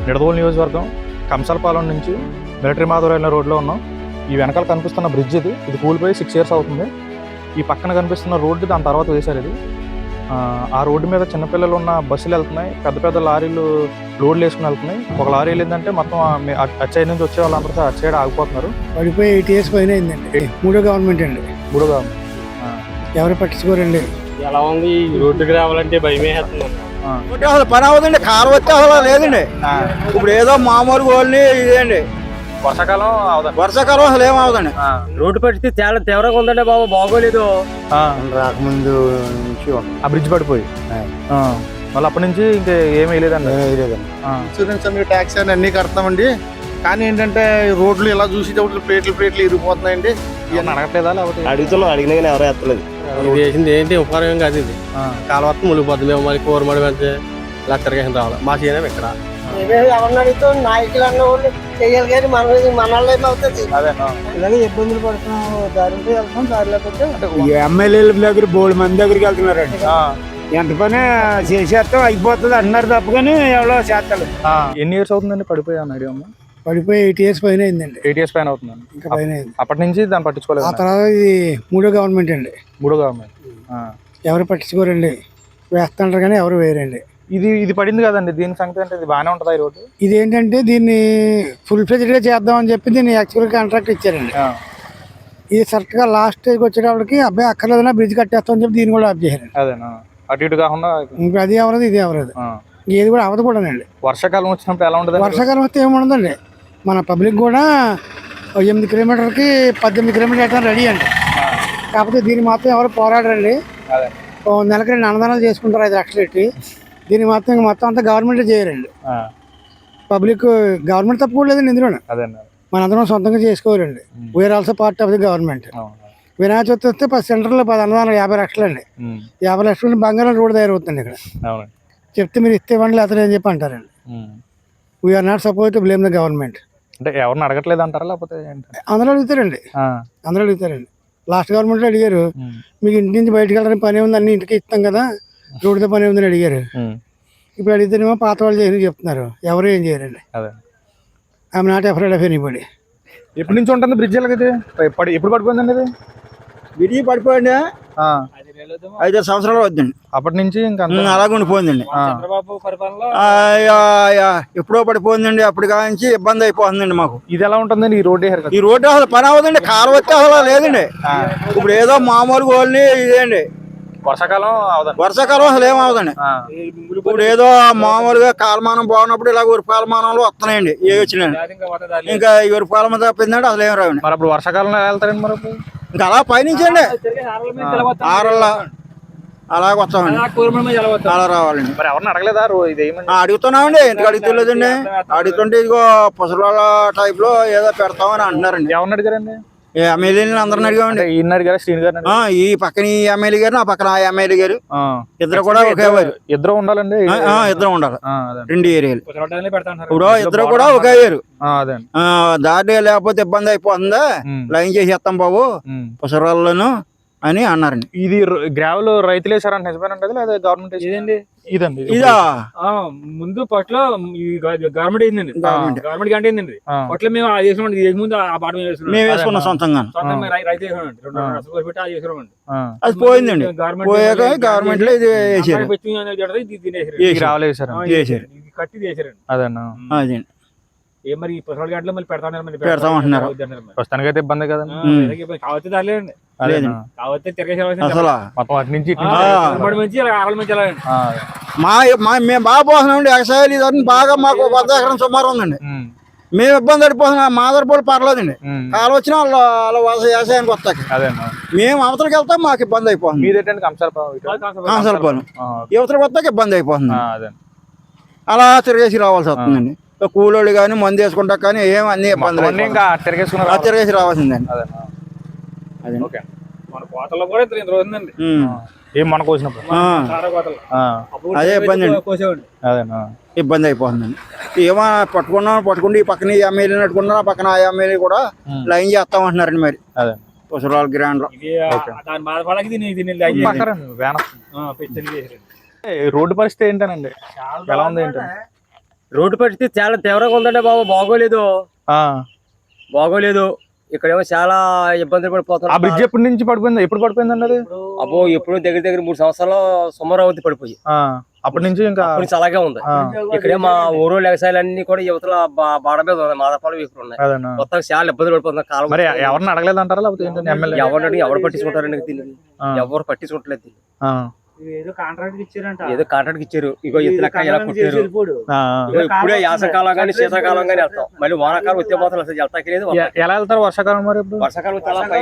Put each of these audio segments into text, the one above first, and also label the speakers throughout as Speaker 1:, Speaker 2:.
Speaker 1: నిడదవోలు నియోజకవర్గం కంసాలపాలెం నుంచి మిలిటరీ మాధవరాయల రోడ్లో ఉన్నాం. ఈ వెనకాల కనిపిస్తున్న బ్రిడ్జ్ ఇది కూలిపోయి 6 years అవుతుంది. ఈ పక్కన కనిపిస్తున్న రోడ్డు దాని తర్వాత వేశారు. ఇది ఆ రోడ్డు మీద చిన్నపిల్లలు ఉన్న బస్సులు వెళ్తున్నాయి, పెద్ద పెద్ద లారీలు లోడ్లు వేసుకుని వెళ్తున్నాయి. ఒక లారీ వెళ్ళిందంటే మొత్తం అటు సైడ్ నుంచి వచ్చే వాళ్ళందరూ అటు సైడ్ ఆగిపోతున్నారు.
Speaker 2: పడిపోయి 8 years పైన అయిందండి. మూడో గవర్నమెంట్ అండి. ఎవరు పట్టించుకోరండి.
Speaker 3: ఎలా ఉంది రోడ్డుకి రావాలంటే భయమే
Speaker 4: అసలు పని అవుతుందండి. కారు వచ్చే అసలు లేదండి. ఇప్పుడు ఏదో మామూలు గోల్ని ఇదేండి. వర్షాకాలం అసలు ఏమవుదండి.
Speaker 3: రోడ్డు పరిస్థితి చాలా తీవ్రంగా ఉందండి బాబు, బాగోలేదు.
Speaker 4: రాకముందు నుంచి
Speaker 1: ఆ బ్రిడ్జ్ పడిపోయి మళ్ళీ అప్పటి నుంచి ఇంకా ఏమీ వేయలేదండి.
Speaker 4: ఇన్సూరెన్స్ ట్యాక్స్ అని అన్ని కడతామండి. కానీ ఏంటంటే రోడ్లు ఇలా చూసేటప్పుడు ప్లేట్లు ఇరిగిపోతున్నాయండి.
Speaker 1: ఇవన్నీ అడగట్లేదా? లేకపోతే
Speaker 3: అడుగుతున్నాం, అడిగినా కానీ ఎవరు ఎత్తలేదు. ఇది వేసింది ఏంటి ఉపకారం కాదు. ఇది కాలువత్తం మునిగిపోతుంది. మేము మళ్ళీ కూరమడి వెళ్తే లక్ష రావాలి. మా చేయడం ఇక్కడ
Speaker 2: ఎవరిని అడిగితే నాయకులు అన్న వాళ్ళు చెయ్యాలి కానీ మనల్లో ఏమవుతుంది. ఇలాగే ఇబ్బందులు పడుతున్నాం. దారిలో వెళ్తాం, దారిలోకి ఎమ్మెల్యేల దగ్గర బోల్డ్ మంది దగ్గరికి వెళ్తున్నారండి. ఎంత పని చేసేస్తాం అయిపోతుంది అంటున్నారు తప్ప కానీ ఎవరో చేస్తారు.
Speaker 1: ఎన్ని ఇయర్స్ అవుతుందండి పడిపోయి అన్న ఐడియా?
Speaker 2: పడిపోయి 8 years పైన అయిందండి.
Speaker 1: 8 years పైన అవుతుందండి.
Speaker 2: ఇంకా పైన అయింది.
Speaker 1: అప్పటి నుంచి దాన్ని పట్టించుకోలేదు.
Speaker 2: ఆ తర్వాత ఇది మూడో గవర్నమెంట్ అండి.
Speaker 1: మూడో గవర్నమెంట్
Speaker 2: ఎవరు పట్టించుకోరండి. వేస్తుంటారు కానీ ఎవరు వేయరండి.
Speaker 1: ఇది పడింది కదండి, దీని సంగతి అంటే ఇది బాగానే ఉంటుందా ఈ రోడ్డు?
Speaker 2: ఇది ఏంటంటే దీన్ని ఫుల్ ఫ్లెడ్జ్డ్ గా చేద్దామని చెప్పి దీన్ని యాక్చువల్ కాంట్రాక్ట్ ఇచ్చారండి. ఇది కరెక్ట్ గా లాస్ట్ స్టేజ్ వచ్చేటప్పటికి అబ్బాయి అక్కర్లేదన్నా బ్రిడ్జ్ కట్టేస్తామని చెప్పి దీన్ని కూడా ఆఫ్ చేశారు.
Speaker 1: అదేనా, అటు ఇటు కాకుండా
Speaker 2: ఇంకా అది ఎవరది ఇది ఎవరది ఏది కూడా అవదు కూడానండి.
Speaker 1: వర్షాకాలం వచ్చినప్పుడు ఎలా ఉంటుంది?
Speaker 2: వర్షాకాలం వస్తే ఏముండదండి. మన పబ్లిక్ కూడా 8 kilometerకి 18 kilometer రెడీ అండి. కాకపోతే దీన్ని మాత్రం ఎవరు పోరాడరండి. నెలకి 2 అన్నదానాలు చేసుకుంటారు 5 లక్షలు పెట్టి. దీన్ని మాత్రం మొత్తం అంతా గవర్నమెంట్ చేయరండి. పబ్లిక్ గవర్నమెంట్ తప్పుకోలేదండి ఇందులో. మనందరం సొంతంగా చేసుకోవాలండి. We are also part of the government. Vinayaka Chavithi వస్తే 10 సెంటర్లో 10 అన్నదానాలు 50 లక్షలు అండి. 50 లక్షలు బంగారం రోడ్డు తయారవుతుంది ఇక్కడ. చెప్తే మీరు ఇస్తే ఇవ్వండి లేకపోతే అని చెప్పి అంటారండి. We are not suppose to blame the government.
Speaker 1: అంటే ఎవరిని అడగట్లేదు అంటారా లేకపోతే
Speaker 2: అందరూ అడుగుతారండి. లాస్ట్ గవర్నమెంట్లో అడిగారు, మీకు ఇంటి నుంచి బయటకు వెళ్ళడానికి పని ఉంది, అన్ని ఇంటికి ఇస్తాం కదా, రోడ్డుతో పని ఉందని అడిగారు. ఇప్పుడు అడిగితేనేమో పాత వాళ్ళు చేయని చెప్తున్నారు. ఎవరు ఏం చేయరండి. I'm not afraid of anybody.
Speaker 1: ఎప్పటి నుంచి ఉంటుంది బ్రిడ్జ్? ఎప్పుడు పడిపోయిందండి ఇది?
Speaker 4: విడిగి పడిపోయింది 5 సంవత్సరాలు అవుతుందండి.
Speaker 1: అప్పటి నుంచి ఇంకా
Speaker 4: అలాగే ఉండిపోయిందండి. ఎప్పుడో పడిపోయిందండి. అప్పుడు కాంచి ఇబ్బంది అయిపోతుందండి మాకు.
Speaker 1: ఇది ఎలా ఉంటుందండి ఈ రోడ్డు?
Speaker 4: ఈ రోడ్డు అసలు పని అవుతుందండి. కారు వచ్చే అసలు లేదండి. ఇప్పుడు ఏదో మామూలు గోల్ని ఇదేండి. వర్షాకాలం అసలు ఏమవుదండి. ఇప్పుడు ఏదో మామూలుగా కాలమానం బాగున్నప్పుడు ఇలా ఉరిపాలమానంలో వస్తున్నాయండి. ఏ వచ్చినాయండి. ఇంకా ఈ ఉరిపాలమ తప్పిందండి అసలు ఏం రావండి.
Speaker 1: మరి అప్పుడు వర్షాకాలంలో వెళ్తారండి. మరి
Speaker 4: ఇంకా అలా పైనుంచండి ఆరల్లా అలాగ వస్తామండి. అలా రావాలండి.
Speaker 1: మరి ఎవరిని అడగలేదా?
Speaker 4: అడుగుతున్నామండి. ఎందుకు అడుగుతలేదండి. అడుగుతుంటే ఇదిగో పుసరాల టైప్ లో ఏదో పెడతామని అంటున్నారండి.
Speaker 1: ఎవరిని అడిగారండి?
Speaker 4: ఎమ్మెల్యేని అందరిని అడిగామండి. ఈ పక్కన ఈ ఎమ్మెల్యే గారు, ఆ పక్కన ఆ ఎమ్మెల్యే గారు, ఇద్దరు కూడా ఒకే వారు.
Speaker 1: ఇద్దరు ఉండాలండి.
Speaker 4: ఇద్దరు ఉండాలి 2 ఏరియాలు. ఇప్పుడు ఇద్దరు కూడా ఒకే వేరు. దారి లేకపోతే ఇబ్బంది అయిపోతుందా, లైన్ చేసేస్తాం బాబు పుసరాల్లోను అని అన్నారండి.
Speaker 1: ఇది గ్రావెల్ రైతులు వేసారంటే నిజమేనండి లేదా గవర్నమెంట్ వేసేదండి? ఇదండి
Speaker 4: ఇదా
Speaker 3: ముందు పట్ల గవర్నమెంట్ అయిందండి. గవర్నమెంట్ గంట అయిందండి. పట్ల మేము ముందు ఆ పాట
Speaker 4: మేము వేసుకున్నాం సొంతంగా.
Speaker 3: రైతు
Speaker 4: అది పోయిందండి. పోయాక గవర్నమెంట్ లో ఇది వేసారు.
Speaker 3: కట్టి వేసారండి.
Speaker 1: అదేనా?
Speaker 4: అదే
Speaker 3: మరి 10 గంటలు మళ్ళీ
Speaker 4: పెడతామంటున్నారు.
Speaker 1: ప్రస్తుతానికి అయితే ఇబ్బంది కదండి.
Speaker 3: కావచ్చు దాలేండి. కావచ్చు
Speaker 4: మేము బాగా పోతున్నామండి. వ్యవసాయాలు ఇదన్నీ బాగా మాకు 100 ఎకరం సుమారు ఉందండి. మేము ఇబ్బంది పడిపోతున్నాం. మా ఆధారపడి పర్లేదండి. కాలు వచ్చినా వాళ్ళ వ్యవసాయానికి వస్తాయి. మేము అవతలకి వెళ్తాం, మాకు ఇబ్బంది అయిపోతుంది. కంసాలపాలెం యువతలకు వస్తాక ఇబ్బంది అయిపోతుంది. అలా తిరిగేసి రావాల్సి వస్తుందండి. కూలోళ్ళు కానీ మందు వేసుకుంటా కానీ ఏం అన్ని ఇబ్బందులు తిరిగేసి రావాల్సిందండి. అదే ఇబ్బంది అండి. ఇబ్బంది అయిపోతుందండి. ఏమో పట్టుకుంటే ఈ పక్కన ఎమ్మెల్యే నట్టుకున్నారు, ఆ పక్కన ఆ ఎమ్మెల్యే కూడా లైన్ చేస్తామంటున్నారండి. మరి పుసరాల గ్రాండ్ లో
Speaker 1: రోడ్డు పరిస్థితి ఏంటనండి? ఎలా ఉంది ఏంటంటే
Speaker 3: రోడ్డు పరిస్థితి చాలా తీవ్రంగా ఉందండి బాబు. బాగోలేదు. ఇక్కడేమో చాలా ఇబ్బందులు
Speaker 1: ఆ
Speaker 3: పడిపోతున్నాం.
Speaker 1: బ్రిడ్జ్ ఎప్పటి నుంచి పడిపోయింది, ఎప్పుడు పడిపోయిందండి అది?
Speaker 3: అబ్బో ఎప్పుడు దగ్గర 3 సంవత్సరాలు సుమారు అవుతుంది పడిపోయి.
Speaker 1: అప్పటి నుంచి ఇంకా
Speaker 3: అప్పటి నుంచి అలాగే ఉంది. ఇక్కడే మా ఊరు వ్యవసాయాలన్నీ కూడా యువతల బాడ మీద ఉన్నాయి, మాదపాలు ఇక్కడ ఉన్నాయి.
Speaker 1: అదేనా.
Speaker 3: మొత్తం చాలా ఇబ్బందులు పడిపోతున్నాం. కాలం
Speaker 1: మరి ఎవరిని అడగలేదంటారా లేకపోతే ఏంటంటే ఎమ్మెల్యే?
Speaker 3: ఎవరు పట్టించుకుంటారండి దీన్ని? ఎవరు పట్టించుకోవట్లేదు దీన్ని. ఏదో కాంట్రాక్ట్ ఇచ్చారు. ఇగో ఇతలక్క ఇలా కుట్టారు. ఇప్పుడే యాసకాలం గానీ శీతాకాలం గానీ వెళ్తాం, మళ్ళీ వానాకాలం వచ్చే మాత్రం అసలు వెళ్తాకి లేదు.
Speaker 1: ఎలా వెళ్తారు వర్షాకాలం? మరి ఇప్పుడు
Speaker 3: వర్షాకాలం అలా పై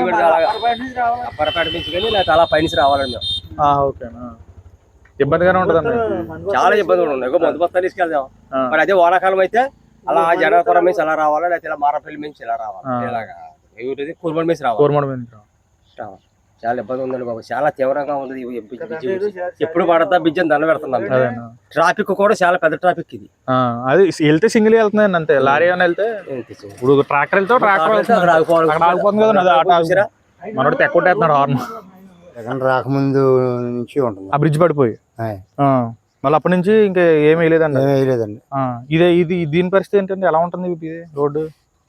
Speaker 3: పరపేట నుంచి కానీ లేకపోతే అలా పైనుంచి రావాలండి మేము.
Speaker 1: ఓకేనా. ఇబ్బందిగానే ఉంటదండి,
Speaker 3: చాలా ఇబ్బందులు ఉన్నాయి. మందు బస్తాలు తీసుకెళ్దాం. మరి అదే వానాకాలం అయితే అలా జనపురం నుంచి అలా రావాలా, లేకపోతే ఇలా మారపల్లి నుంచి ఇలా రావాలి. ఇలాగా కూర్మడి నుంచి రావాలి. చాలా ఇబ్బంది ఉందండి బాబు. చాలా తీవ్రంగా ఉంది. ఎప్పుడు పడతా బిజ్జని దండ పెడుతున్నాం. ట్రాఫిక్ కూడా చాలా పెద్ద ట్రాఫిక్ ఇది.
Speaker 1: అది వెళ్తే సింగిల్ వెళ్తున్నాయండి అంతే. లారీ అని వెళ్తే ఇప్పుడు ట్రాక్టర్ వెళ్తే ట్రాక్టర్ ఆగిపోతుంది కదా. మనోడు తెక్కొట్టేస్తున్నాడు హార్న్.
Speaker 5: జగన్ రాకముందు నుంచి ఉంటుంది
Speaker 1: ఆ బ్రిడ్జ్ పడిపోయి. మళ్ళీ అప్పటి నుంచి ఇంకా ఏమీ వేయలేదండి.
Speaker 5: వేయలేదండి.
Speaker 1: ఇది దీని పరిస్థితి ఏంటంటే ఎలా ఉంటుంది రోడ్డు?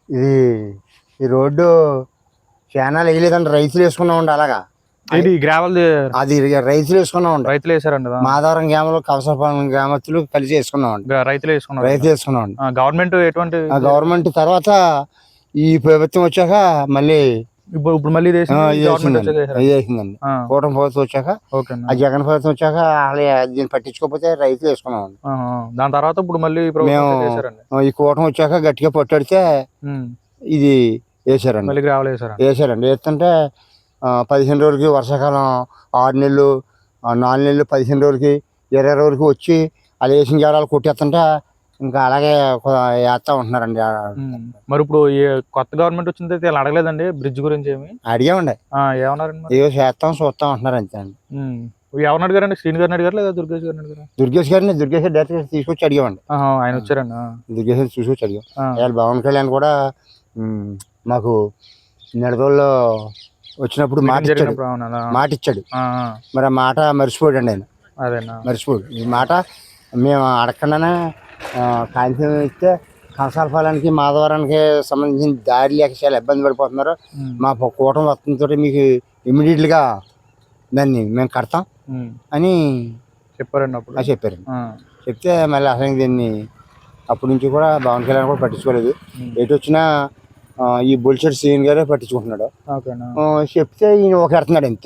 Speaker 5: ఈ రోడ్డు చాలా వేయలేదండి, రైతులు వేసుకున్నామండి. అలాగా
Speaker 1: ఇది గ్రావెల్
Speaker 5: అది రైతులు వేసుకున్నామండి.
Speaker 1: రైతులు వేసారండి.
Speaker 5: మాధవరం గ్రామంలో కవసపాలెం గ్రామస్తులు కలిసి వేసుకున్నామండి.
Speaker 1: రైతులు వేసుకున్నామండి. గవర్నమెంట్ ఎటువంటి
Speaker 5: గవర్నమెంట్ తర్వాత ఈ ప్రభుత్వం వచ్చాక మళ్ళీ
Speaker 1: ఇప్పుడు మళ్ళీ
Speaker 5: వేసిందండి. కూటమి ప్రభుత్వం వచ్చాక, ఆ జగన్ ప్రభుత్వం వచ్చాక దీన్ని పట్టించుకోకపోతే రైతులు వేసుకున్నామండి.
Speaker 1: దాని తర్వాత ఇప్పుడు మళ్ళీ
Speaker 5: మేము ఈ కూటమి వచ్చాక గట్టిగా పట్టడితే ఇది వేసారండి.
Speaker 1: మళ్ళీ గ్రావెల్
Speaker 5: వేసారండి. వేస్తుంటే 15 రోజులకి వర్షాకాలం 6 నెలలు 4 నెలలు 15 రోజులకి 20 రోజులకి వచ్చి అలా వేసిన జాడాలు కొట్టేస్తుంటే ఇంకా అలాగే వేస్తా ఉంటున్నారండి.
Speaker 1: మరి ఇప్పుడు కొత్త గవర్నమెంట్ వచ్చింది ఇలా అడగలేదండి బ్రిడ్జ్ గురించి? ఏమి
Speaker 5: అడిగామండి.
Speaker 1: ఏమన్నారండి?
Speaker 5: ఏదో చేస్తాం చూస్తాం అంటున్నారు అంతే అండి.
Speaker 1: ఎవరిని అడిగారండి? శ్రీని గారిని అడిగారు లేదా దుర్గేష్ గారిని అడిగారు?
Speaker 5: దుర్గేష్ గారిని డైరెక్ట్ తీసుకొచ్చి అడిగామండి.
Speaker 1: ఆయన వచ్చారండి.
Speaker 5: దుర్గేష్ తీసుకొచ్చి అడిగాం. వాళ్ళు పవన్ కళ్యాణ్ కూడా మాకు నిడదోల్లో వచ్చినప్పుడు మాట ఇచ్చాడు. మరి ఆ మాట మర్చిపోయాడు అండి ఆయన. మర్చిపోయాడు. ఈ మాట మేము అడగకుండానే కాగితం ఇస్తే కంసాలపాలెంకి మాధవరానికి సంబంధించిన దారి లేక చాలా ఇబ్బంది పడిపోతున్నారు. మా కూటమి వస్తుందో మీకు ఇమ్మీడియట్గా దాన్ని మేము కడతాం అని
Speaker 1: చెప్పారండి. అప్పుడు
Speaker 5: చెప్పారండి. చెప్తే మళ్ళీ అసలు దీన్ని అప్పటి నుంచి కూడా పవన్ కళ్యాణ్ కూడా పట్టించుకోలేదు. ఎటు వచ్చినా ఈ బొలిశెట్టి శ్రీని గారే పట్టించుకుంటున్నాడు. చెప్తే ఈయన ఒక ఎడుతున్నాడు అంతే.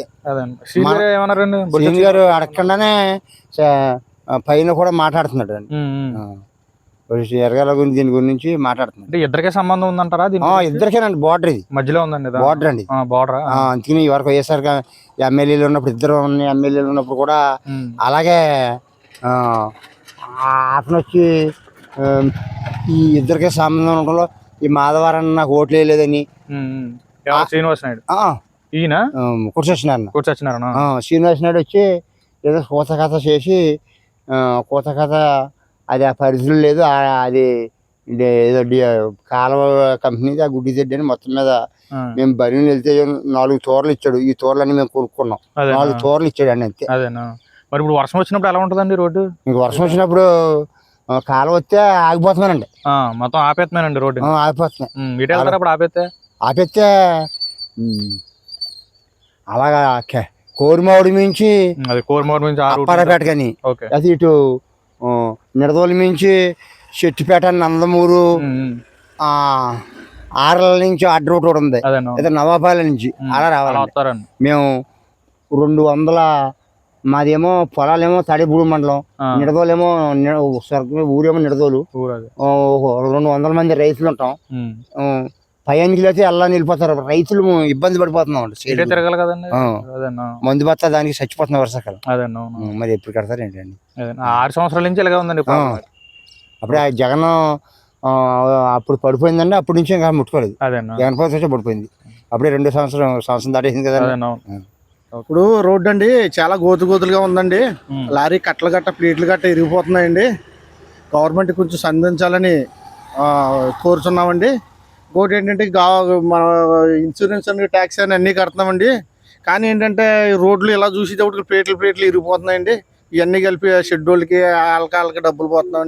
Speaker 5: శ్రీని గారు అడగకుండానే పైన కూడా మాట్లాడుతున్నాడు అండి. ఎరగాల గురించి దీని గురించి మాట్లాడుతున్నాడు.
Speaker 1: ఇద్దరికే సంబంధం ఉందంటారా?
Speaker 5: ఇద్దరికేనండి. బోర్డర్ ఇది మధ్యలో ఉందండి. బోర్డర్ అండి. బోర్డర్. అందుకని ఈ వరకు వైఎస్ఆర్ ఎమ్మెల్యేలు ఉన్నప్పుడు ఇద్దరు ఎమ్మెల్యేలు ఉన్నప్పుడు కూడా అలాగే అతను వచ్చి ఈ ఇద్దరికే సంబంధం ఉండడంలో ఈ మాధవరాన్ని నాకు ఓట్లు వేయలేదని
Speaker 1: శ్రీనివాస్ నాయుడు ఈయన
Speaker 5: కూర్చొచ్చినారు. శ్రీనివాస్ నాయుడు వచ్చి ఏదో కోత కథ చేసి కోత కథ అది ఆ పరిధిలో లేదు, అది ఏదో కాలువ కంపెనీది ఆ గుడ్డి తెడ్డి అని మొత్తం మీద మేము బరిని వెళ్తే 4 తోరలు ఇచ్చాడు. ఈ తోరలన్నీ మేము కొనుక్కున్నాం. 4 తోరలు ఇచ్చాడు అండి అంతే.
Speaker 1: మరి ఇప్పుడు వర్షం వచ్చినప్పుడు ఎలా ఉంటుందండి రోడ్డు?
Speaker 5: ఇంక వర్షం వచ్చినప్పుడు కాలువ వస్తే ఆగిపోతున్నానండి.
Speaker 1: మొత్తం ఆపేస్తున్నానండి రోడ్డు.
Speaker 5: ఆగిపోతున్నాయి. ఆపేస్తే అలాగా కోరిమావుడి నుంచి అప్పారపేట కానీ అది ఇటు నిడదోలు నుంచి చెట్టుపేట నందమూరు ఆరల నుంచి అడ్డ రూట్ కూడా ఉంది. అయితే నవాపాల నుంచి అలా రావాలి. మేము 200 మాదేమో పొలాలేమో తడిపూడి మండలం, నిడదోలేమో ఊరేమో నిడదోలు. 200 మంది రైతులు ఉంటాం. పైకి అయితే అలా నిలిపోతారు. రైతులు ఇబ్బంది పడిపోతున్నాం అండి.
Speaker 1: తిరగాలి కదండి.
Speaker 5: మందు బత్తా దానికి చచ్చిపోతున్నా వర్షాకాలం. మరి ఎప్పుడు కడతారు ఏంటండి?
Speaker 1: 6 సంవత్సరాల నుంచి ఇలాగే ఉందండి.
Speaker 5: అప్పుడే జగన్ అప్పుడు పడిపోయిందండి. అప్పటి నుంచి ఇంకా ముట్టుకోలేదు. జగన్ ప్రభుత్వం వచ్చి పడిపోయింది. అప్పుడే 2 సంవత్సరం దాటేసింది కదా.
Speaker 6: ఇప్పుడు రోడ్డు అండి చాలా గోతులుగా ఉందండి. లారీ కట్టలు గట్ట ప్లేట్లు గట్ట ఇరిగిపోతున్నాయండి. గవర్నమెంట్ కొంచెం సంధించాలని కోరుతున్నామండి. ఇంకోటి ఏంటంటే మన ఇన్సూరెన్స్ అని ట్యాక్స్ అని అన్నీ కడుతున్నామండి. కానీ ఏంటంటే రోడ్లు ఇలా చూసేటప్పుడు ప్లేట్లు ఇరిగిపోతున్నాయండి. ఇవన్నీ కలిపి షెడ్యూల్కి వాళ్ళకి డబ్బులు పోతున్నామండి.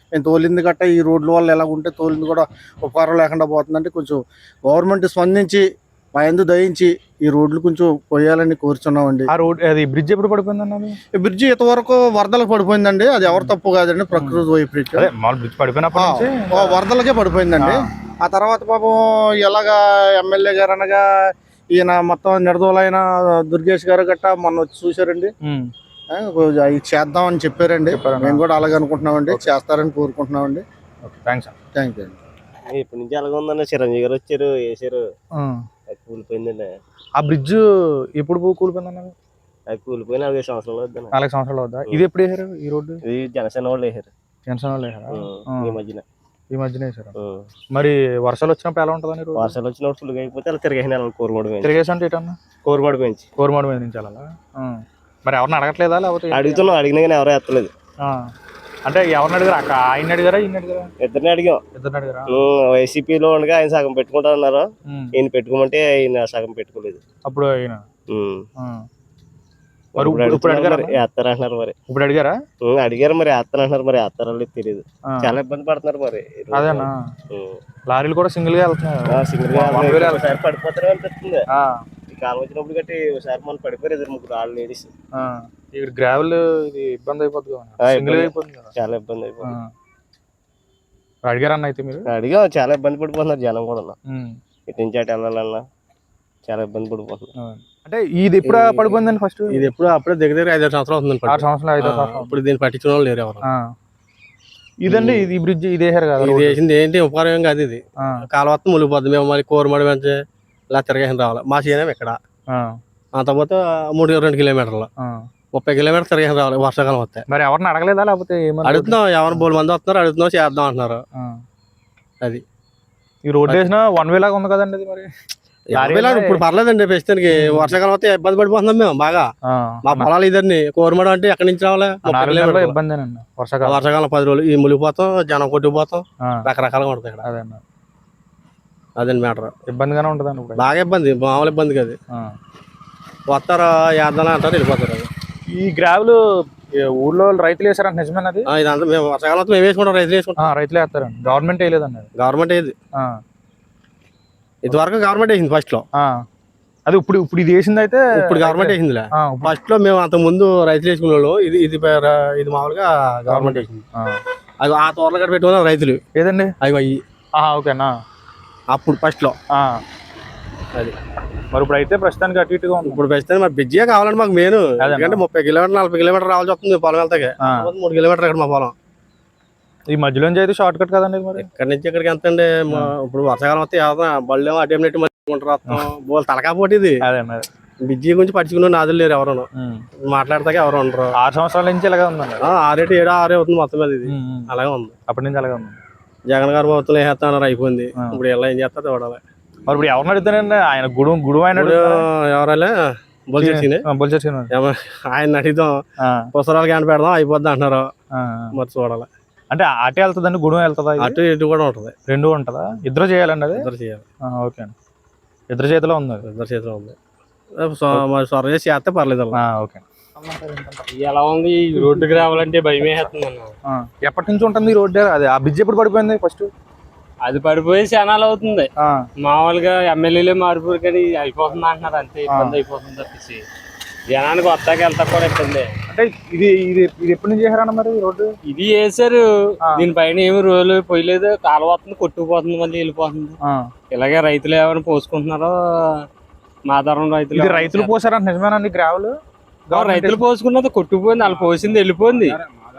Speaker 6: నేను తోలింది గట్ట ఈ రోడ్ల వల్ల ఎలా ఉంటే తోలింది కూడా ఉపకారం లేకుండా పోతుందంటే కొంచెం గవర్నమెంట్ స్పందించి మా యందు దయించి ఈ రోడ్లు కొంచెం పోయాలని కోరుచున్నామండి.
Speaker 1: ఆ రోడ్ అది బ్రిడ్జ్ ఎప్పుడు పడిపోయిందన్న?
Speaker 6: ఈ బ్రిడ్జి ఇంతవరకు వరదలకు పడిపోయిందండి. అది ఎవరు తప్పు కాదండి, ప్రకృతి వైపరీత్యం.
Speaker 1: అదే మామూలు బ్రిడ్జ్ పడిపోయినప్పటి నుంచి
Speaker 6: వరదలకే పడిపోయిందండి. ఆ తర్వాత పాపం ఎలాగా ఎమ్మెల్యే గారు అనగా ఈయన మొత్తం నిడదోలైన దుర్గేష్ గారు గట్ట మొన్న వచ్చి చూశారండి. ఇది చేద్దామని చెప్పారండి. మేము కూడా అలాగే అనుకుంటున్నామండి, చేస్తారని కోరుకుంటున్నామండి.
Speaker 1: థ్యాంక్స్
Speaker 6: థ్యాంక్ యూ అండి.
Speaker 3: ఇప్పటి నుంచి అలాగే ఉందన్న. చిరంజీవి గారు వచ్చారు, వేసారు, అది కూలిపోయిందండి.
Speaker 1: ఆ బ్రిడ్జ్ ఎప్పుడు కూలిపోయిందన్న?
Speaker 3: అది కూలిపోయి 4 సంవత్సరాలు వద్దా.
Speaker 1: 4 సంవత్సరాలు వద్దా? ఇది ఎప్పుడు వేసారు ఈ రోడ్డు?
Speaker 3: ఇది జనసేన వాళ్ళు వేసారు.
Speaker 1: జనసేన వాళ్ళు వేసారా?
Speaker 3: ఈ
Speaker 1: మధ్యన వేసారు. మరి వర్షాలు వచ్చినప్పుడు ఎలా ఉంటుందని?
Speaker 3: వర్షాలు వచ్చినప్పుడు ఫుల్గా అయిపోతే అలా తిరిగేసిన కోరుమూడు
Speaker 1: తిరిగేసి అంటే ఏంటన్నా?
Speaker 3: కోరుమూడు పెంచి
Speaker 1: కోరుమాడు మీద నుంచి అలా మరి ఎవరిని అడగట్లేదా? లేకపోతే
Speaker 3: అడుగుతున్నాం, అడిగినా కానీ ఎవరో ఎత్తలేదు.
Speaker 1: అంటే ఎవరిని అడిగారు? అక్క ఆయన అడిగారా, ఈయన అడిగారా?
Speaker 3: ఇద్దరిని అడిగాం.
Speaker 1: ఇద్దరిని అడిగారా?
Speaker 3: వైసీపీలో ఉండగా ఆయన సగం పెట్టుకుంటా అన్నారు. ఈయన పెట్టుకోమంటే ఈయన సగం పెట్టుకోలేదు.
Speaker 1: అప్పుడు ఆయన
Speaker 3: ఇప్పుడు వేస్తారంటున్నారు. మరి
Speaker 1: ఇప్పుడు అడిగారా?
Speaker 3: అడిగారు, మరి వేస్తారంటున్నారు. మరి వేస్తారో తెలియదు. చాలా ఇబ్బంది పడుతున్నారు. మరి
Speaker 1: అదేనా లారీలు కూడా సింగిల్ గా వెళ్తున్నాయి,
Speaker 3: సింగిల్ గా పడిపోతారు అనిపిస్తుంది. ఈ కాలం వచ్చినప్పుడు గట్టి ఒకసారి మనం పడిపోయారు 2-3 ఆళ్ళు లేడీస్.
Speaker 1: ఇక్కడ గ్రావెల్ ఇది ఇబ్బంది అయిపోతుంది,
Speaker 3: చాలా ఇబ్బంది అయిపోతుంది.
Speaker 1: అడిగారా అన్న? అయితే మీరు
Speaker 3: అడిగా, చాలా ఇబ్బంది పడిపోతున్నారు జనం కూడా. ఇటు నుంచి అటు వెళ్ళాలన్నా చాలా ఇబ్బంది పడిపోతున్నారు.
Speaker 1: అంటే ఇది ఎప్పుడు పడిపోయిందండి? ఫస్ట్
Speaker 7: ఇది ఎప్పుడు అప్పుడే దగ్గర 5 సంవత్సరాలు అవుతుంది.
Speaker 1: 6 సంవత్సరాలు 5 సంవత్సరాలు.
Speaker 7: ఇప్పుడు దీన్ని పట్టించుకున్న వాళ్ళు లేరు ఎవరు.
Speaker 1: ఇదండి ఇది బ్రిడ్జ్ ఇది వేసారు కదా?
Speaker 7: ఇది వేసింది ఏంటి ఉపకారం ఏం కాదు. ఇది కాలువత్త మునిగిపోద్ది. మేము మళ్ళీ కోరమడి పెంచి ఇలా తిరగేసిన రావాలి. మా చేయడం ఇక్కడ అంతపోతే 3-2 కిలోమీటర్లు 30 కిలోమీటర్లు తిరగేసిన రావాలి వర్షాకాలం వస్తే.
Speaker 1: మరి ఎవరిని అడగలేదా? లేకపోతే
Speaker 7: అడుగుతున్నాం, ఎవరు 3 మంది వస్తున్నారు, అడుగుతున్నాం, చేద్దాం అంటున్నారు. అది
Speaker 1: ఈ రోడ్ వేసిన 1 వే లాగా ఉంది కదండి ఇది? మరి
Speaker 7: ఇప్పుడు పర్లేదండి. ప్రస్తుతానికి వర్షాకాలం వస్తే ఇబ్బంది పడిపోతున్నాం మేము బాగా. మా పొలాలు ఇద్దరిని కోరమడం అంటే ఎక్కడి నుంచి రావాలి?
Speaker 1: ఇబ్బందేనండి. వర్షాకాలం
Speaker 7: 10 రోజులు ఈ మునిగిపోతాం, జనం కొట్టుకుపోతాం, రకరకాలుగా ఉంటుంది ఇక్కడ. అదండి మ్యాటర్.
Speaker 1: ఇబ్బందిగానే ఉంటుందండి,
Speaker 7: బాగా ఇబ్బంది, మామూలు ఇబ్బంది కాదు. వస్తారు, వేద్దాం అంటారు, వెళ్ళిపోతారు.
Speaker 1: ఈ గ్రావెల్ ఊర్లో రైతులు వేసారంట, నిజమేనది?
Speaker 7: ఇదంతా మేము వర్షాకాలం మేము వేసుకుంటాం, రైతులు వేసుకుంటాం.
Speaker 1: రైతులు వేస్తారండి, గవర్నమెంట్ వేయలేదండి.
Speaker 7: గవర్నమెంట్ వేయదు. ఇదివరకు గవర్నమెంట్ వేసింది ఫస్ట్ లో.
Speaker 1: అది ఇప్పుడు ఇది వేసింది అయితే
Speaker 7: ఇప్పుడు గవర్నమెంట్ వేసిందిలే. ఫస్ట్ లో మేము అంత ముందు రైతులు వేసుకునే వాళ్ళు. ఇది మామూలుగా గవర్నమెంట్ వేసింది. అది ఆ తోటలు గట్ట పెట్టుకున్నారు రైతులు.
Speaker 1: ఏదండి
Speaker 7: అవి అయ్యి
Speaker 1: ఓకేనా?
Speaker 7: అప్పుడు ఫస్ట్ లో
Speaker 1: అది. మరి ఇప్పుడు అయితే ప్రస్తుతానికి అటు ఇటుగా ఉంది.
Speaker 7: ఇప్పుడు ప్రస్తుతానికి మరి బిజీగా కావాలండి మాకు మెయిన్. ఎందుకంటే 30 కిలోమీటర్లు 40 కిలోమీటర్లు రావాల్సి వస్తుంది పొలం వెళ్తాకి. 3 కిలోమీటర్లు ఇక్కడ మా పొలం.
Speaker 1: ఈ మధ్యలో నుంచి అయితే షార్ట్ కట్ కదండి మరి?
Speaker 7: ఇక్కడ నుంచి ఇక్కడికి ఎంత అండి? ఇప్పుడు వర్షాకాలం వస్తే బళ్ళు అటెంప్ట్ బోల్ తలకా పోటీ. ఇది బిజీ గురించి పట్టించుకున్న నాదులు లేరు ఎవరు, మాట్లాడతాక ఎవరు ఉండరు.
Speaker 1: 6 సంవత్సరాల నుంచి ఇలాగే ఉందండి.
Speaker 7: 6 అవుతుంది మొత్తం మీద. ఇది అలాగే ఉంది,
Speaker 1: అప్పటి నుంచి అలాగే ఉంది.
Speaker 7: జగన్ గారు మొత్తం వేస్తాన్నారు, అయిపోయింది. ఇప్పుడు ఎలా ఏం చేస్తారు చూడాలి.
Speaker 1: మరి ఇప్పుడు ఎవరిని అడుగుతానండి? ఆయన గుడు ఆయన
Speaker 7: ఎవరైనా ఆయన అడిగిదాం, పుస్తకాలు క్యాన్ పెడదాం అయిపోద్ది అంటున్నారు. మరి చూడాలి.
Speaker 1: అంటే అటే వెళ్తుందండి, గుడి వెళ్తుందా?
Speaker 7: అటు ఇటు కూడా ఉంటుంది,
Speaker 1: రెండు ఉంటుందా? ఇద్దరు చేయాలండి అది?
Speaker 7: ఇద్దరు చేయాలి.
Speaker 1: ఓకే అండి, ఇద్దరు చేతిలో ఉంది.
Speaker 7: ఇద్దరు చేతిలో ఉంది. సొర చేసి చేస్తే పర్లేదు.
Speaker 1: ఓకే.
Speaker 8: ఎలా ఉంది? ఈ రోడ్డుకి రావాలంటే భయమే వేస్తుంది అన్న.
Speaker 1: ఎప్పటి నుంచి ఉంటుంది ఈ రోడ్డు? అది ఆ బ్రిడ్జ్ ఎప్పుడు పడిపోయింది ఫస్ట్?
Speaker 8: అది పడిపోయి క్షణాలు అవుతుంది. మామూలుగా ఎమ్మెల్యేలే మారిపోరు కానీ అయిపోతుంది అంటున్నారు, అంతే. ఇబ్బంది అయిపోతుంది తప్పించి జనానికి వస్తాకి వెళ్తా కూడా ఇబ్బంది.
Speaker 1: అంటే ఇది ఇది ఇది ఎప్పటి నుంచి చేశారన్న మరి ఈ రోడ్డు?
Speaker 8: ఇది వేసారు, దీనిపైన ఏమి రోజులు పోయలేదు. కాలువ వస్తుంది, కొట్టుకుపోతుంది, మళ్ళీ వెళ్ళిపోతుంది. ఇలాగే రైతులు ఎవరైనా పోసుకుంటున్నారో మాదారం
Speaker 1: రైతులు పోసారంట, నిజమేనండి? గ్రావెల్
Speaker 8: రైతులు పోసుకున్నది కొట్టుకుపోయింది, వాళ్ళు పోసింది వెళ్ళిపోయింది.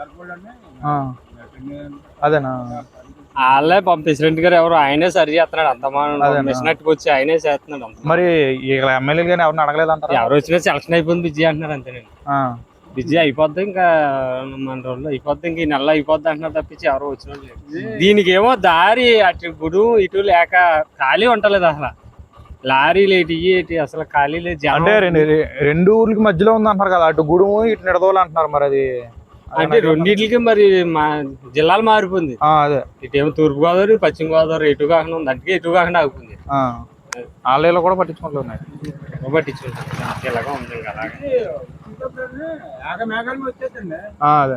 Speaker 1: అదేనా?
Speaker 8: వాళ్ళే ప్రెసిడెంట్ గారు ఎవరు ఆయనే సరి చేస్తున్నాడు, అంత మిషనట్టుకు వచ్చి ఆయనే చేస్తున్నాడు.
Speaker 1: మరి ఎమ్మెల్యేలు కానీ ఎవరిని అడగలేదు అంటారు?
Speaker 8: ఎవరు వచ్చినా సెలక్షన్ అయిపోయింది బిజీ అంటున్నారు, అంతేనండి. బిజీ అయిపోద్ది, ఇంకా మన రోజుల్లో అయిపోద్ది, ఇంక ఈ నెల అయిపోద్ది అంటున్నారు తప్పించి ఎవరు వచ్చిన దీనికి ఏమో దారి అటు గుడు ఇటు లేక ఖాళీ ఉంటలేదు అసలు. లారీలు ఏంటి అసలు ఖాళీ లేదు.
Speaker 1: అంటే రెండు ఊర్లకి మధ్యలో ఉంది అంటారు కదా, అటు గుడుము ఇటు నిడదోలు అంటున్నారు. మరి అది
Speaker 8: అంటే రెండింటికి మరి మా జిల్లాలు మారిపోయింది.
Speaker 1: అదే
Speaker 8: ఇటేమో తూర్పు గోదావరి, పశ్చిమ గోదావరి ఎటు కాకుండా ఉంది, అందుకే ఎటు కాకుండా ఆగిపోయింది.
Speaker 1: ఆలయాలు కూడా పట్టించుకుంటున్నాయి,
Speaker 8: పట్టించుకుంటాం ఇలాగా ఉంది. అలాగే
Speaker 1: అదే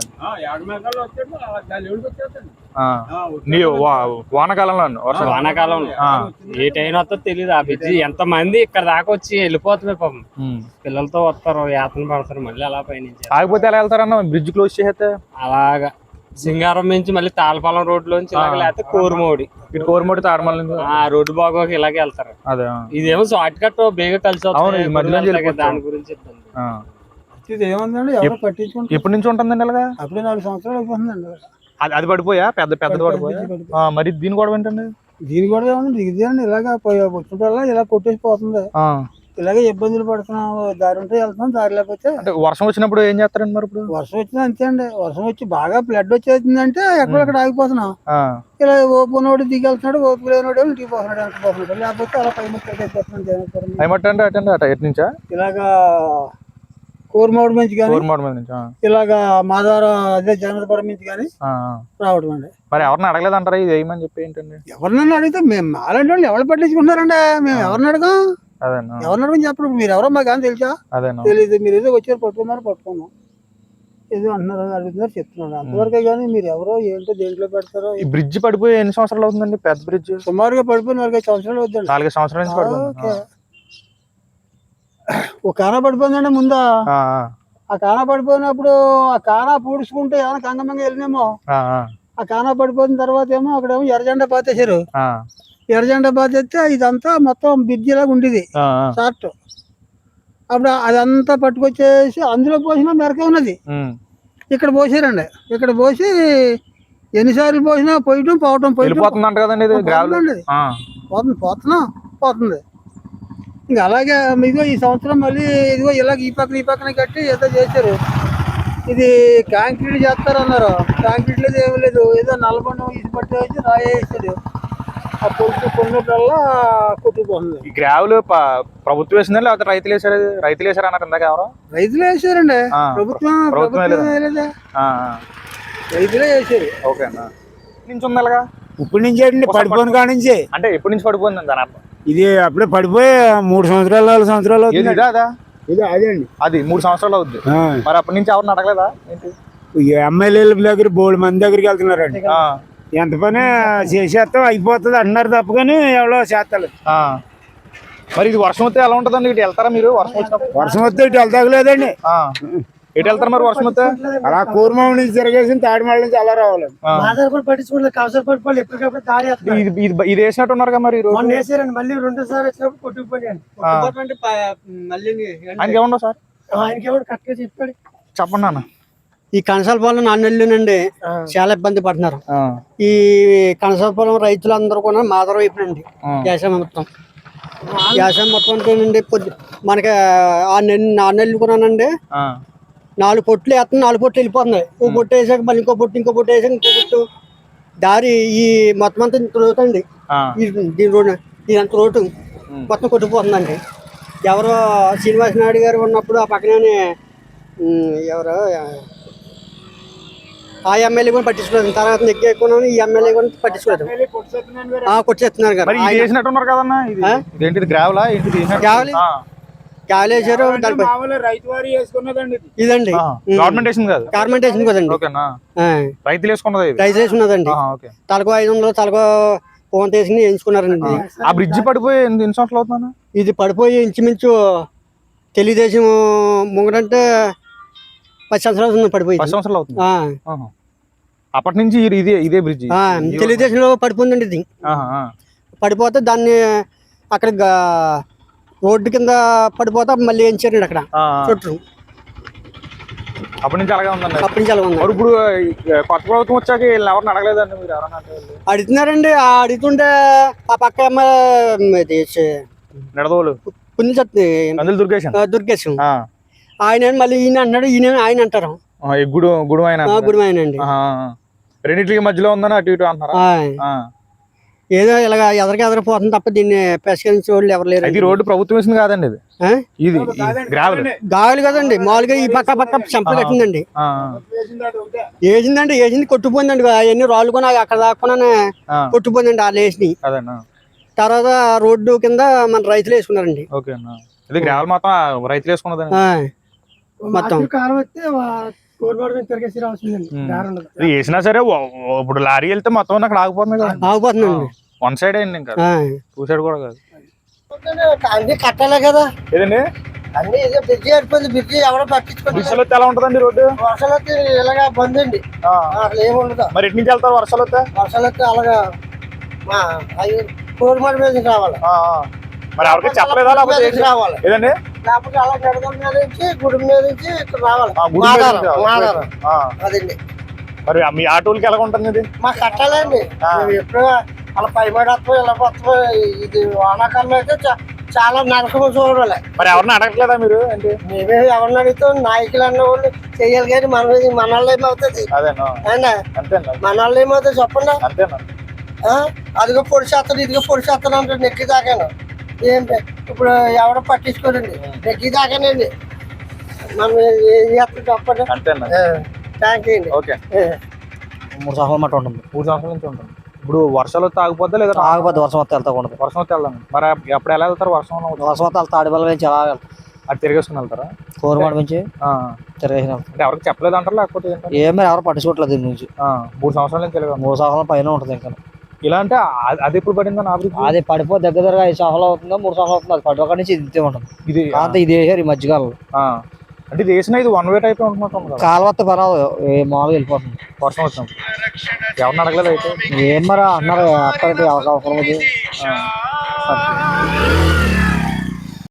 Speaker 1: వానాకాలంలో వర్షం
Speaker 8: వానాకాలంలో ఏ టైం వస్తుందో తెలియదు. ఆ బ్రిడ్జి ఎంత మంది ఇక్కడ దాకా వచ్చి వెళ్ళిపోతున్నారు పాపం. పిల్లలతో వస్తారు, యాతన పడతారు, మళ్ళీ అలా పైనుంచి
Speaker 1: ఆగిపోతే ఎలా వెళ్తారన్న బ్రిడ్జ్ క్లోజ్ చేస్తే?
Speaker 8: అలాగా సింగారం నుంచి మళ్ళీ తాళపాలెం రోడ్ లోంచి లేకపోతే కోరుమోడి,
Speaker 1: ఇటు కోరమోడి తాడమల్లి
Speaker 8: ఆ రోడ్డు బాగోక ఇలాగే వెళ్తారు.
Speaker 1: అదే
Speaker 8: ఇదేమో షార్ట్ కట్ బేగా కలిసి వస్తుంది. దాని గురించి ఇబ్బంది.
Speaker 2: ఇది ఏముందండి, ఎవరు పట్టించుకుంటారు?
Speaker 1: ఎప్పటి నుంచి ఉంటుందండి ఇలాగా?
Speaker 2: అప్పుడే 4 సంవత్సరాలు అయిపోతుందండి.
Speaker 1: అది పడిపోయా? పెద్దది పడిపోయా? మరి దీని కూడా ఏంటండి?
Speaker 2: దీని కూడా ఏముంది, దిగుదేయండి ఇలాగా వచ్చినప్పుడల్లా ఇలా కొట్టేసి పోతుంది. ఇలాగే ఇబ్బందులు పడుతున్నాం. దారి ఉంటే వెళ్తున్నాం, దారి లేకపోతే.
Speaker 1: అంటే వర్షం వచ్చినప్పుడు ఏం చేస్తారండి మరి? ఇప్పుడు
Speaker 2: వర్షం వచ్చింది అంతే అండి. వర్షం వచ్చి బాగా ఫ్లడ్ వచ్చేసిందంటే ఎక్కడెక్కడ ఆగిపోతున్నాం. ఇలా ఓపునోడు దిగి వెళ్తున్నాడు, ఓపు లేనోడు ఇంటికి పోతున్నాడు, వెనక్కి పోతున్నాడు. లేకపోతే అలా పై ముక్కలు అయిపోతున్నాం.
Speaker 1: ఏమంటే అటు ఎటు నుంచా?
Speaker 2: ఇలాగా కోరమోడి నుంచి కానీ, ఇలాగా మాదారం అదే జనరపురం నుంచి కానీ రావడం అండి.
Speaker 1: మరి ఎవరిని అడగలేదంటారా ఇది వేయమని చెప్పి? ఏంటండి
Speaker 2: ఎవరినన్నా అడిగితే మేము అలాంటి వాళ్ళు ఎవరు పట్టించుకుంటున్నారండి? మేము ఎవరిని అడగం, ఎవరిని అడగని చెప్పడం. మీరు ఎవరో మాకు కానీ తెలుసా? తెలీదు. మీరు ఏదో వచ్చారు పట్టుకున్నాం ఏదో అంటున్నారు, అడుగుతున్నారు, చెప్తున్నారు అంతవరకే. కానీ మీరు ఎవరో ఏంటో దేంట్లో పెడతారో.
Speaker 1: ఈ బ్రిడ్జ్ పడిపోయి ఎన్ని సంవత్సరాలు అవుతుందండి? పెద్ద బ్రిడ్జ్
Speaker 2: సుమారుగా పడిపోయి 4-5 సంవత్సరాలు అవుతుంది.
Speaker 1: 4 సంవత్సరాల నుంచి పడుతుంది.
Speaker 2: ఒక కానా పడిపోయిందండి ముందు. ఆ కానా పడిపోయినప్పుడు ఆ కానా పూడ్చుకుంటే ఏమైనా కంగమంగా వెళ్ళినేమో. ఆ కానా పడిపోయిన తర్వాత ఏమో అక్కడేమో ఎర్రజెండా పాతేశారు. ఎర్రజెండా పాతేస్తే ఇదంతా మొత్తం బ్రిడ్జి లాగా ఉండేది షార్ట్. అప్పుడు అదంతా పట్టుకొచ్చేసి అందులో పోసినా మెరకే ఉన్నది. ఇక్కడ పోసారండి. ఇక్కడ పోసి ఎన్నిసార్లు పోసినా పోయటం పోవటం పోతుంది. ఇంకా అలాగే ఇదిగో ఈ సంవత్సరం మళ్ళీ ఇదిగో ఇలాగ ఈ పక్కన కట్టి ఏదో చేశారు. ఇది కాంక్రీట్ చేస్తారన్నారు. కాంక్రీట్ లేదు, ఏమి లేదు. ఏదో నల్లబండ ఇసి పట్టి వచ్చి రాయేసాడు. ఆ కొన్నప్పుడల్లా కొట్టుకుపోతుంది.
Speaker 1: ఈ గ్రావులు ప్రభుత్వం వేసిందా లేకపోతే రైతులు వేసారు? రైతులు వేసారు అన్నారు ఇందాక. ఎవరో
Speaker 2: రైతులే వేసారండి. ప్రభుత్వం వేయలేదా? రైతులే వేసారు.
Speaker 1: ఓకే అన్న. నుంచి ఉంది అలాగా?
Speaker 4: ఇప్పుడు నుంచి పడిపోయిన కాడ నుంచి.
Speaker 1: అంటే ఎప్పటి నుంచి పడిపోయింది దాని అర్థం?
Speaker 4: ఇది అప్పుడే పడిపోయి 3 సంవత్సరాలు 4 సంవత్సరాలు
Speaker 1: ఇది
Speaker 4: అదే అండి.
Speaker 1: అది 3 సంవత్సరాలు అవుద్ది. మరి అప్పటి నుంచి ఎవరిని అడగలేదా ఏంటి?
Speaker 4: ఎమ్మెల్యేల దగ్గర బోల్డ్ మంది దగ్గరికి వెళ్తున్నారండి. ఎంత పని చేసేస్తాం అయిపోతుంది అంటున్నారు తప్ప కానీ ఎవరో చేస్తారు.
Speaker 1: మరి ఇది వర్షం వస్తే ఎలా ఉంటుందండి? ఇటు వెళ్తారా మీరు?
Speaker 4: వర్షం వస్తే ఇటు వెళ్తాగలేదండి.
Speaker 1: ఎటు వెళ్తారు మరి వర్షం వస్తే?
Speaker 4: అలా కూరమావు నుంచి తిరగేసి తాడిమాల నుంచి అలా రావాలి.
Speaker 1: ఇది వేసినట్టు ఉన్నారు కదా మరి?
Speaker 2: మళ్ళీ 2 సార్లు వచ్చినప్పుడు కొట్టుకుపోయాను.
Speaker 1: ఆయనకి ఏమన్నా సార్?
Speaker 2: ఆయనకి ఎవరు కరెక్ట్గా చెప్పాడు.
Speaker 1: చెప్పండి అన్న.
Speaker 2: ఈ కనసాలపాలెం 4 నెలలునండి చాలా ఇబ్బంది పడుతున్నారు. ఈ కనసాలపాలెం రైతులందరూ కూడా మాదరం అయిపోయింది. వ్యవసాయం మొత్తం అంటేనండి మనకి 4 నెలలు కొన్నానండి. 4 పొట్లు వేస్తాను, 4 పొట్లు వెళ్ళిపోతున్నాయి. ఓ పొట్టు వేసాక మళ్ళీ ఇంకో పొట్టు వేసాక ఇంకో పొట్టు. దారి ఈ మొత్తం అంతా రోడ్ అండి. దీని రోడ్ ఇదంత రోడ్డు మొత్తం కొట్టుకుపోతుందండి. ఎవరో శ్రీనివాస నాయుడు గారు ఉన్నప్పుడు ఆ పక్కనే ఎవరో ఆ ఎమ్మెల్యే కూడా పట్టించుకోలేదు. తర్వాత నెగ్గి ఎక్కువ ఈ ఎమ్మెల్యే కూడా పట్టించుకోలేదు. కొట్టేస్తున్నారు కదా. గాలేసారు. ఇదండి గవర్నమెంట్ వేసింది కదండి.
Speaker 1: రైతులు
Speaker 2: వేసుకున్నదండి. తలకో 500 తలకో ఫోన్ తీసుకుని వేయించుకున్నారండి.
Speaker 1: ఆ బ్రిడ్జి పడిపోయి ఎన్ని సంవత్సరాలు అవుతుందా?
Speaker 2: ఇది పడిపోయి ఇంచుమించు తెలుగుదేశం ముంగడంటే 10 సంవత్సరాలు పడిపోయి.
Speaker 1: 10 సంవత్సరాలు అవుతుంది. అప్పటి నుంచి ఇదే బ్రిడ్జి
Speaker 2: తెలుగుదేశంలో పడిపోయిందండి. ఇది పడిపోతే దాన్ని అక్కడ రోడ్డు కింద పడిపోతే మళ్ళీ వేయించారండి అక్కడ చుట్టూ.
Speaker 1: అప్పటి నుంచి అలాగే ఉందండి.
Speaker 2: అప్పటి నుంచి అలాగే ఉంది.
Speaker 1: ఇప్పుడు కొత్త ప్రభుత్వం వచ్చాక ఎవరిని అడగలేదండి మీరు? ఎవరన్నా
Speaker 2: అడుగుతున్నారండి. అడుగుతుంటే ఆ పక్క
Speaker 1: నడదోలు దుర్గేశం
Speaker 2: ఆయన మళ్ళీ ఈయన అంటున్నాడు, ఈయన ఆయన అంటారు. గుడిమాయనండి.
Speaker 1: రెండింటికి మధ్యలో ఉందని అటు ఇటు అంటున్నారా?
Speaker 2: ఏదో ఇలాగ ఎదరిపోతుంది తప్ప దీన్ని పరిష్కరించే వాళ్ళు ఎవరు లేరు.
Speaker 1: ఇది రోడ్డు ప్రభుత్వం వేసింది కాదండి. ఇది
Speaker 2: గాలి కదండి. మామూలుగా ఈ పక్క చెంపలు కట్టిందండి. వేసింది కొట్టుపోయిందండి. అవన్నీ రాళ్ళు కొని అక్కడ దాక్కునే కొట్టుపోయిందండి. వాళ్ళు వేసి తర్వాత రోడ్డు కింద మన రైతులు వేసుకున్నారండి.
Speaker 1: రైతులు వేసుకున్నదండి.
Speaker 2: మొత్తం కాలం వస్తే కోరుమాడు మీద తిరిగేసి రావాల్సిందండి, దారి ఉండదు.
Speaker 1: ఇది వేసినా సరే ఇప్పుడు లారీ వెళ్తే మొత్తం అక్కడ ఆగిపోతుంది కదా,
Speaker 2: ఆగిపోతుందండి.
Speaker 1: వన్ సైడ్ అయింది, ఇంకా టూ సైడ్ కూడా కాదు.
Speaker 2: అన్ని కట్టాలే కదా
Speaker 1: ఏదండి
Speaker 2: అన్ని, బ్రిడ్జి అయిపోయింది, బ్రిడ్జి ఎవరో పట్టించుకోండి.
Speaker 1: వర్షాలు వస్తే ఎలా ఉంటుందండి రోడ్డు?
Speaker 2: వర్షాలు వస్తే ఇలాగా బంద్ అండి, అసలు ఏముండదు.
Speaker 1: మరి ఎటు నుంచి వెళ్తారు వర్షాలు వస్తే?
Speaker 2: వర్షాలు వస్తే అలాగా కోరుమాడు మీద రావాలి.
Speaker 1: మరి ఎవరికి చెప్పలేదా లేకపోతే
Speaker 2: రావాలి,
Speaker 1: ఏదండి?
Speaker 2: లేకపోతే అలా గడగల మీద నుంచి గుడి మీద నుంచి ఇక్కడ రావాలి.
Speaker 1: గుడి మీద నుంచి
Speaker 2: మాదారం అదండి.
Speaker 1: మరి మీ ఆటోలకి ఎలా ఉంటుంది ఇది?
Speaker 2: మాకు కట్టాలండి, ఎప్పుడు అలా పైబడి వస్తాం ఇలా వస్తాం. ఇది వానాకాలంలో అయితే చాలా నరకం చూడాలి.
Speaker 1: మరి ఎవరిని అడగట్లేదా మీరు? అంటే
Speaker 2: మేమే ఎవరిని అడుగుతాం, నాయకులు అన్న వాళ్ళు చెయ్యాలి కానీ మన వాళ్ళు ఏమవుతుంది?
Speaker 1: అదేనా? అంతేనా?
Speaker 2: మన వాళ్ళు ఏమవుతుంది చెప్పండి?
Speaker 1: అంతేనా?
Speaker 2: అదిగో పొడి చేస్తాను, ఇదిగో పొడి చేస్తాను అంటే నెక్కి దాకాను. ఏంటి ఇప్పుడు ఎవడో పట్టించుకోరండి, నెక్కి దాకానండి. మనం ఏం చేస్తాం చెప్పండి?
Speaker 1: అంతేనా?
Speaker 2: థ్యాంక్ యూ అండి.
Speaker 1: ఓకే.
Speaker 5: 3 సంవత్సరాల మట్ట ఉంటుంది.
Speaker 1: 3 సంవత్సరాల నుంచి ఉంటుంది. ఇప్పుడు వర్షాలు వస్తే ఆగిపోద్దా లేదా?
Speaker 5: ఆగిపోద్ది, వర్షం వస్తే వెళ్తా ఉండదు.
Speaker 1: వర్షం వస్తే వెళ్దాం. మరి ఎప్పుడు ఎలా వెళ్తారు? వర్షం
Speaker 5: వర్షం వస్తే తాడిపల్లి నుంచి ఎలా వెళ్తాం?
Speaker 1: అది తిరిగేసుకుని వెళ్తారా?
Speaker 5: కోరుమాడు నుంచి తిరిగేసిన
Speaker 1: అంటే ఎవరికి చెప్పలేదు అంటారు లేకపోతే
Speaker 5: ఏమీ ఎవరు పట్టించుకోవట్లేదు దీని నుంచి.
Speaker 1: 3 సంవత్సరాల నుంచి తెలియదు.
Speaker 5: 3 సంవత్సరాల పైన ఉంటుంది. ఇంకా
Speaker 1: ఇలా అంటే అది ఎప్పుడు పడిందని
Speaker 5: అది పడిపో దగ్గర 5 సంవత్సరాలు అవుతుందో 3 సంవత్సరాలు అవుతుంది. అది పడిపోక నుంచి ఇది ఉంటుంది.
Speaker 1: ఇది
Speaker 5: అంతే ఇది వేసారు ఈ మధ్యకాలంలో.
Speaker 1: అంటే ఇది వేసిన ఇది వన్ వే టైప్ ఉంటున్నట్టు
Speaker 5: కాలువత్త పర్వాలేదు, మామూలుగా వెళ్ళిపోతుంది
Speaker 1: వర్షం వచ్చినప్పుడు. ఎవరిని అడగలేదు అయితే?
Speaker 5: ఏం మరి అన్నారు అక్కడికి అవసరం